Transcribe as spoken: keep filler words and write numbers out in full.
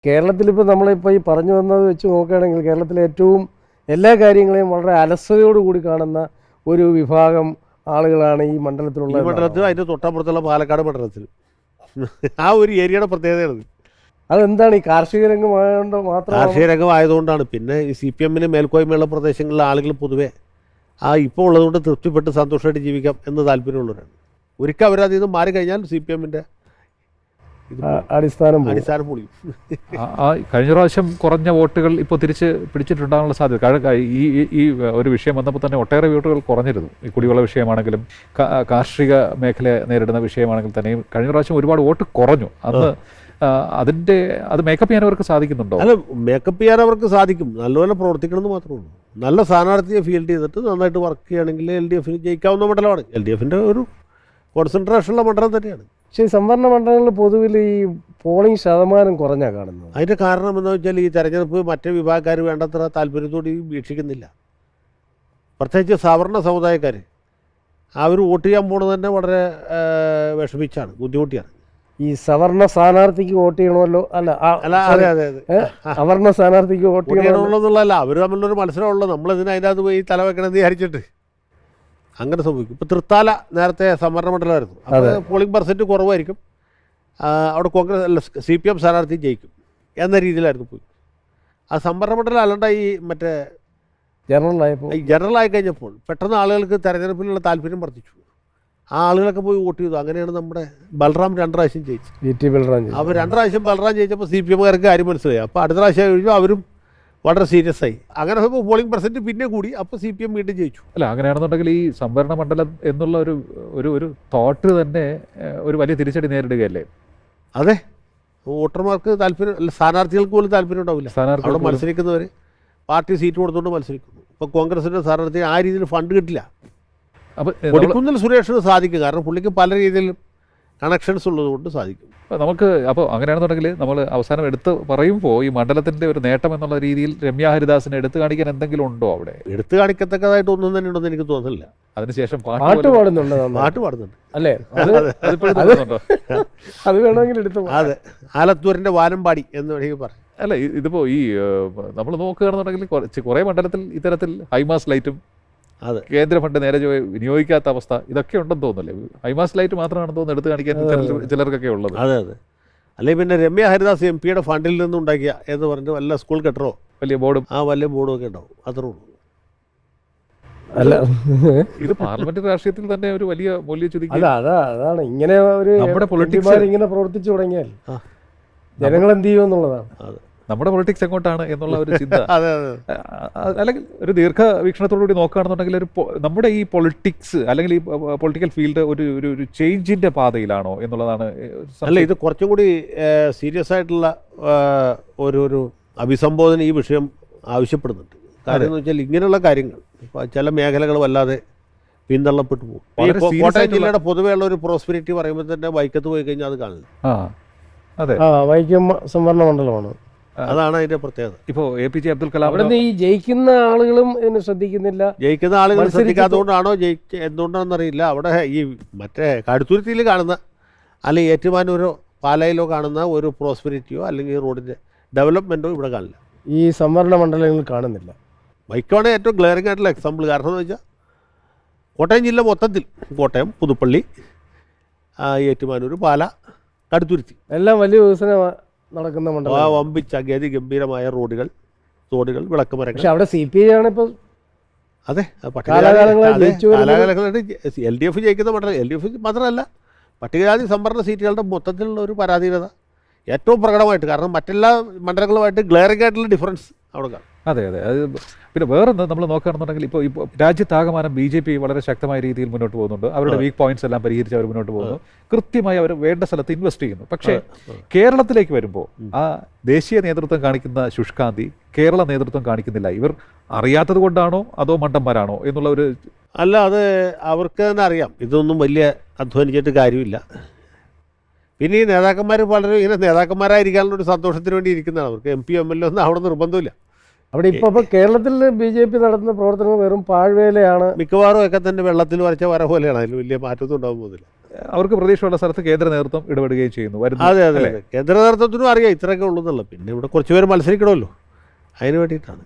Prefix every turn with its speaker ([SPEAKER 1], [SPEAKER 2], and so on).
[SPEAKER 1] കേരളത്തിലിപ്പോൾ നമ്മളിപ്പോൾ ഈ പറഞ്ഞു വന്നത് വെച്ച് നോക്കുകയാണെങ്കിൽ കേരളത്തിലെ ഏറ്റവും എല്ലാ കാര്യങ്ങളെയും വളരെ അലസതയോടുകൂടി കാണുന്ന ഒരു വിഭാഗം ആളുകളാണ് ഈ മണ്ഡലത്തിലുള്ള.
[SPEAKER 2] ഈ മണ്ഡലത്തിൽ അതിൻ്റെ തൊട്ടപ്പുറത്തുള്ള പാലക്കാട് മണ്ഡലത്തിൽ ആ ഒരു ഏരിയയുടെ പ്രത്യേകതയാണ്.
[SPEAKER 1] അതെന്താണ് ഈ കാർഷിക രംഗമായതുകൊണ്ട് മാത്രം?
[SPEAKER 2] കാർഷിക രംഗമായതുകൊണ്ടാണ്. പിന്നെ ഈ സി പി എമ്മിന് മേൽക്കോയ്മയുള്ള പ്രദേശങ്ങളിലെ ആളുകൾ പൊതുവെ ആ ഇപ്പോൾ ഉള്ളതുകൊണ്ട് തൃപ്തിപ്പെട്ട് സന്തോഷമായിട്ട് ജീവിക്കാം എന്ന് താല്പര്യമുള്ളവരാണ്. ഒരിക്കൽ അവരതിൽ നിന്ന് മാറിക്കഴിഞ്ഞാൽ സി പി എമ്മിൻ്റെ
[SPEAKER 1] അടിസ്ഥാനം
[SPEAKER 2] അടിസ്ഥാനം പൊളിയും.
[SPEAKER 3] കഴിഞ്ഞ പ്രാവശ്യം കുറഞ്ഞ വോട്ടുകൾ ഇപ്പോൾ തിരിച്ച് പിടിച്ചിട്ടുണ്ടാകാനുള്ള സാധ്യത. ഈ ഈ ഒരു വിഷയം വന്നപ്പോൾ തന്നെ ഒട്ടേറെ വോട്ടുകൾ കുറഞ്ഞിരുന്നു. ഈ കുടിവെള്ള വിഷയമാണെങ്കിലും കാർഷിക മേഖല നേരിടുന്ന വിഷയമാണെങ്കിൽ തന്നെയും കഴിഞ്ഞ പ്രാവശ്യം ഒരുപാട് വോട്ട് കുറഞ്ഞു. അന്ന് അതിൻ്റെ അത് മേക്കപ്പ് ചെയ്യാൻ അവർക്ക് സാധിക്കുന്നുണ്ടോ?
[SPEAKER 2] അല്ല, മേക്കപ്പ് ചെയ്യാൻ അവർക്ക് സാധിക്കും. നല്ലപോലെ പ്രവർത്തിക്കണമെന്ന് മാത്രമേ ഉള്ളൂ. നല്ല സ്ഥാനാർത്ഥിയെ ഫീൽഡ് ചെയ്തിട്ട് നന്നായിട്ട് വർക്ക് ചെയ്യുകയാണെങ്കിൽ എൽ ഡി എഫിന് ജയിക്കാവുന്ന മണ്ഡലമാണ്. എൽ ഡി എഫിൻ്റെ ഒരു കോൺസെൻട്രേഷനുള്ള മണ്ഡലം തന്നെയാണ്.
[SPEAKER 1] പക്ഷേ ഈ സംവരണ മണ്ഡലങ്ങളിൽ പൊതുവിൽ ഈ പോളിംഗ് ശതമാനം കുറഞ്ഞാണ് കാണുന്നത്.
[SPEAKER 2] അതിൻ്റെ കാരണം എന്താണെന്ന് വെച്ചാൽ ഈ തെരഞ്ഞെടുപ്പ് മറ്റേ വിഭാഗക്കാർ വേണ്ടത്ര താല്പര്യത്തോടെ വീക്ഷിക്കുന്നില്ല. പ്രത്യേകിച്ച് സവർണ സമുദായക്കാർ അവർ വോട്ട് ചെയ്യാൻ പോകുന്നത് തന്നെ വളരെ വിഷമിച്ചാണ്, ബുദ്ധിമുട്ടിയാണ്.
[SPEAKER 1] ഈ സവർണ സ്ഥാനാർത്ഥിക്ക് വോട്ട് ചെയ്യണമല്ലോ, അല്ല
[SPEAKER 2] അല്ല അതെ അതെ അതെ
[SPEAKER 1] അവർണ സ്ഥാനാർത്ഥിക്ക് വോട്ട്
[SPEAKER 2] ചെയ്യണമെന്നുള്ളതല്ല, അവർ തമ്മിലൊരു മത്സരമുള്ളത്. നമ്മളതിന് അതിൻ്റെ അത് പോയി തല വെക്കണമെന്ന് വിചാരിച്ചിട്ട് അങ്ങനെ സംഭവിക്കും. ഇപ്പോൾ തൃത്താല നേരത്തെ സംവരണ മണ്ഡലമായിരുന്നു. അപ്പോൾ പോളിംഗ് പെർസെൻറ്റ് കുറവായിരിക്കും, അവിടെ കോൺഗ്രസ് അല്ല സി പി എം സ്ഥാനാർത്ഥി ജയിക്കും എന്ന രീതിയിലായിരുന്നു പോയി. ആ സംവരണ മണ്ഡലം അല്ലാണ്ട് ഈ മറ്റേ
[SPEAKER 1] ജനറലായപ്പോൾ
[SPEAKER 2] ഈ ജനറലായി കഴിഞ്ഞപ്പോൾ പെട്ടെന്ന് ആളുകൾക്ക് തെരഞ്ഞെടുപ്പിലുള്ള താല്പര്യം വർദ്ധിച്ചു. ആ ആളുകളൊക്കെ പോയി വോട്ട് ചെയ്തു. അങ്ങനെയാണ് നമ്മുടെ ബൽറാം രണ്ട് പ്രാവശ്യം ജയിച്ചത്.
[SPEAKER 1] V T Balram.
[SPEAKER 2] അപ്പോൾ രണ്ട് പ്രാവശ്യം ബൽറാം ജയിച്ചപ്പോൾ സി പി എമ്മുകാർക്ക് കാര്യം മനസ്സിലായി. അപ്പോൾ അടുത്ത പ്രാവശ്യം കഴിഞ്ഞു അവരും വളരെ സീരിയസ് ആയി. അങ്ങനെ ഇപ്പോൾ പോളിംഗ് പെർസെൻറ്റ് പിന്നെ കൂടി. അപ്പോൾ സി പി എം വീണ്ടും ജയിച്ചു.
[SPEAKER 3] അല്ല, അങ്ങനെയാണെന്നുണ്ടെങ്കിൽ ഈ സംവരണ മണ്ഡലം എന്നുള്ള ഒരു ഒരു ഒരു തോട്ട് തന്നെ ഒരു വലിയ തിരിച്ചടി നേരിടുകയല്ലേ?
[SPEAKER 2] അതെ, വോട്ടർമാർക്ക് താല്പര്യം അല്ല, സ്ഥാനാർത്ഥികൾക്ക് പോലും താല്പര്യം ഉണ്ടാവില്ല. അവിടെ മത്സരിക്കുന്നവർ പാർട്ടി സീറ്റ് കൊടുത്തുകൊണ്ട് മത്സരിക്കുന്നു. ഇപ്പോൾ കോൺഗ്രസിൻ്റെ സ്ഥാനാർത്ഥി ആ രീതിയിൽ ഫണ്ട് കിട്ടില്ല.
[SPEAKER 3] അപ്പോൾ
[SPEAKER 2] കൊടിക്കുന്നിൽ സുരേഷിന് സാധിക്കും, കാരണം പുള്ളിക്ക് പല രീതിയിലും കണക്ഷൻസ് ഉള്ളതുകൊണ്ട് സാധിക്കും.
[SPEAKER 3] നമുക്ക് അപ്പോൾ അങ്ങനെയാണെന്നുണ്ടെങ്കിൽ നമ്മൾ അവസാനം എടുത്ത് പറയുമ്പോൾ ഈ മണ്ഡലത്തിൻ്റെ ഒരു നേട്ടം എന്നുള്ള രീതിയിൽ രമ്യ ഹരിദാസിനെ എടുത്തു കാണിക്കാൻ എന്തെങ്കിലും ഉണ്ടോ അവിടെ?
[SPEAKER 2] എടുത്തു കാണിക്കത്തക്കതായിട്ട് ഒന്നും തന്നെ ഉണ്ടെന്ന് എനിക്ക് തോന്നുന്നില്ല.
[SPEAKER 3] അതിനുശേഷം
[SPEAKER 1] പാട്ട് പാടുന്നുണ്ട്,
[SPEAKER 2] പാട്ട് പാടുന്നുണ്ട്
[SPEAKER 1] അല്ലേ? അത് വേണമെങ്കിൽ എടുത്തു.
[SPEAKER 2] അതെ, ആലത്തൂരിൻ്റെ വാനമ്പാടി എന്ന് വേണമെങ്കിൽ പറയാം.
[SPEAKER 3] അല്ല, ഇതിപ്പോൾ ഈ നമ്മൾ നോക്കുകയാണെന്നുണ്ടെങ്കിൽ കുറേ മണ്ഡലത്തിൽ ഇത്തരത്തിൽ ഹൈമാസ് ലൈറ്റും
[SPEAKER 2] അതെ
[SPEAKER 3] കേന്ദ്ര ഫണ്ട് നേരെ വിനിയോഗിക്കാത്ത അവസ്ഥ ഇതൊക്കെ ഉണ്ടെന്ന് തോന്നുന്നില്ലേ? ഹൈമാസ് ലൈറ്റ് മാത്രമാണെന്ന് തോന്നുന്നു എടുത്ത് കാണിക്കാൻ ചിലർക്കൊക്കെ ഉള്ളത്.
[SPEAKER 2] അതെ അതെ അല്ലെങ്കിൽ പിന്നെ രമ്യ ഹരിദാസ് എം പിയുടെ ഫണ്ടിൽ നിന്നും ഉണ്ടാക്കിയ എന്ന് പറഞ്ഞിട്ട് വല്ല സ്കൂൾ കെട്ടറോ
[SPEAKER 3] വലിയ ബോർഡും
[SPEAKER 2] ആ വലിയ ബോർഡും ഒക്കെ ഉണ്ടാവും, അത്രേ ഉള്ളൂ.
[SPEAKER 1] അല്ല,
[SPEAKER 3] ഇത് പാർലമെന്റ് രാഷ്ട്രീയത്തിൽ തന്നെ ഒരു വലിയ മൂല്യച്യുതി.
[SPEAKER 1] അല്ല, അതാ അതാണ് ഇങ്ങനെ ഒരു നമ്മുടെ പൊളിറ്റിക്സ് ഇങ്ങനെ പ്രവർത്തിച്ചു തുടങ്ങിയാൽ ജനങ്ങൾ എന്ത് ചെയ്യും എന്നുള്ളതാണ്.
[SPEAKER 2] അതെ,
[SPEAKER 3] നമ്മുടെ പൊളിറ്റിക്സ് എങ്ങോട്ടാണ് എന്നുള്ള ഒരു ചിന്ത.
[SPEAKER 2] അതെ അതെ
[SPEAKER 3] അല്ലെങ്കിൽ ഒരു ദീർഘവീക്ഷണത്തോടുകൂടി നോക്കുകയാണെന്നുണ്ടെങ്കിൽ ഒരു നമ്മുടെ ഈ പൊളിറ്റിക്സ് അല്ലെങ്കിൽ ഈ പൊളിറ്റിക്കൽ ഫീൽഡ് ഒരു ഒരു ഒരു ചേഞ്ചിൻ്റെ പാതയിലാണോ എന്നുള്ളതാണ്.
[SPEAKER 2] അല്ല, ഇത് കുറച്ചും കൂടി സീരിയസ് ആയിട്ടുള്ള ഒരു ഒരു അഭിസംബോധന ഈ വിഷയം ആവശ്യപ്പെടുന്നുണ്ട്. കാര്യം എന്ന് വെച്ചാൽ ഇങ്ങനെയുള്ള കാര്യങ്ങൾ ഇപ്പോൾ ചില മേഖലകൾ വല്ലാതെ പിന്തള്ളപ്പെട്ടു പോകും. കോട്ടയം ജില്ലയുടെ പൊതുവെയുള്ള ഒരു പ്രോസ്പെരിറ്റി പറയുമ്പോൾ തന്നെ വൈക്കത്ത് പോയി കഴിഞ്ഞാൽ അത് കാണില്ല.
[SPEAKER 3] അതെ,
[SPEAKER 1] വൈക്കം സംവരണ മണ്ഡലമാണ്,
[SPEAKER 2] അതാണ് അതിന്റെ പ്രത്യേകത.
[SPEAKER 3] ഇപ്പോൾ A P J Abdul Kalam
[SPEAKER 1] അവിടെ ഈ ജയിക്കുന്ന ആളുകളും ഇതിന് ശ്രദ്ധിക്കുന്നില്ല.
[SPEAKER 2] ജയിക്കുന്ന ആളുകൾ ശ്രദ്ധിക്കാത്തതുകൊണ്ടാണോ ജയിക്ക എന്തുകൊണ്ടാണെന്നറിയില്ല. അവിടെ ഈ മറ്റേ കടുത്തുരുത്തിയിൽ കാണുന്ന അല്ലെങ്കിൽ ഏറ്റുമാനൂരോ പാലയിലോ കാണുന്ന ഒരു പ്രോസ്പെരിറ്റിയോ അല്ലെങ്കിൽ റോഡിൻ്റെ ഡെവലപ്മെൻറ്റോ ഇവിടെ കാണില്ല.
[SPEAKER 1] ഈ സംവരണ മണ്ഡലങ്ങളിൽ കാണുന്നില്ല.
[SPEAKER 2] വൈക്കമാണ് ഏറ്റവും ഗ്ലെയറിംഗ് ആയിട്ടുള്ള എക്സാമ്പിൾ. കാരണം എന്ന് വെച്ചാൽ കോട്ടയം ജില്ല മൊത്തത്തിൽ കോട്ടയം, പുതുപ്പള്ളി, ഏറ്റുമാനൂർ, പാല, കടുത്തുരുത്തി എല്ലാം
[SPEAKER 1] വലിയ വികസനം നടക്കുന്ന മണ്ഡലം.
[SPEAKER 2] ആ വമ്പിച്ച ഗതി ഗംഭീരമായ റോഡുകൾ, തോടുകൾ, വിളക്കുമരങ്ങൾ.
[SPEAKER 1] പക്ഷെ അവിടെ സി പി ഐ ആണ് ഇപ്പോൾ.
[SPEAKER 2] അതെ,
[SPEAKER 1] കാലാകാലങ്ങളായി
[SPEAKER 2] എൽ ഡി എഫ് ജയിക്കുന്ന മണ്ഡലം. എൽ ഡി എഫ് മാത്രമല്ല, പട്ടികജാതി സംവരണ സീറ്റുകളുടെ മൊത്തത്തിലുള്ള ഒരു പരാധീനത ഏറ്റവും പ്രകടമായിട്ട്, കാരണം മറ്റെല്ലാ മണ്ഡലങ്ങളുമായിട്ട് ഗ്ലെയറിംഗ് ആയിട്ടുള്ള ഡിഫറൻസ് അവിടെ കാണും.
[SPEAKER 3] അതെ അതെ അത് പിന്നെ വേറൊന്ന് നമ്മൾ നോക്കുകയാണെന്നുണ്ടെങ്കിൽ ഇപ്പോൾ ഇപ്പോൾ രാജ്യത്താകമാനം ബി ജെ പി വളരെ ശക്തമായ രീതിയിൽ മുന്നോട്ട് പോകുന്നുണ്ട്. അവരുടെ വീക്ക് പോയിന്റ്സ് എല്ലാം പരിഹരിച്ച് അവർ മുന്നോട്ട് പോകുന്നു. കൃത്യമായി അവർ വേണ്ട സ്ഥലത്ത് ഇൻവെസ്റ്റ് ചെയ്യുന്നു. പക്ഷേ കേരളത്തിലേക്ക് വരുമ്പോൾ ആ ദേശീയ നേതൃത്വം കാണിക്കുന്ന ശുഷ്കാന്തി കേരള നേതൃത്വം കാണിക്കുന്നില്ല. ഇവർ അറിയാത്തത് കൊണ്ടാണോ അതോ മണ്ടന്മാരാണോ എന്നുള്ള ഒരു
[SPEAKER 2] അല്ല, അത് അവർക്ക് തന്നെ അറിയാം ഇതൊന്നും വലിയ അധ്വാനിച്ചിട്ട് കാര്യമില്ല. പിന്നെ ഈ നേതാക്കന്മാർ പലരും ഇങ്ങനെ നേതാക്കന്മാരായിരിക്കാനുള്ള ഒരു സന്തോഷത്തിന് വേണ്ടി ഇരിക്കുന്നതാണ്. അവർക്ക് M P M L A ഒന്നും അവിടെ നിർബന്ധമില്ല.
[SPEAKER 1] അവിടെ ഇപ്പോൾ ഇപ്പോൾ കേരളത്തിൽ ബി ജെ പി നടത്തുന്ന പ്രവർത്തനങ്ങൾ വെറും പാഴ്വേലയാണ്.
[SPEAKER 2] മിക്കവാറും ഒക്കെ തന്നെ വെള്ളത്തിൽ വരച്ച വര പോലെയാണ്. അതിൽ വലിയ മാറ്റമൊന്നും ഉണ്ടാകാൻ പോകുന്നില്ല.
[SPEAKER 3] അവർക്ക് പ്രതീക്ഷയുള്ള സ്ഥലത്ത് കേന്ദ്ര നേതൃത്വം ഇടപെടുകയും ചെയ്യുന്നു വരുന്നു.
[SPEAKER 2] അതെ അതെ അതെ കേന്ദ്ര നേതൃത്വത്തിനും അറിയാം ഇത്രയൊക്കെ ഉള്ളൂ എന്നുള്ളത്. പിന്നെ ഇവിടെ കുറച്ച് പേര് മത്സരിക്കണമല്ലോ, അതിന് വേണ്ടിയിട്ടാണ്.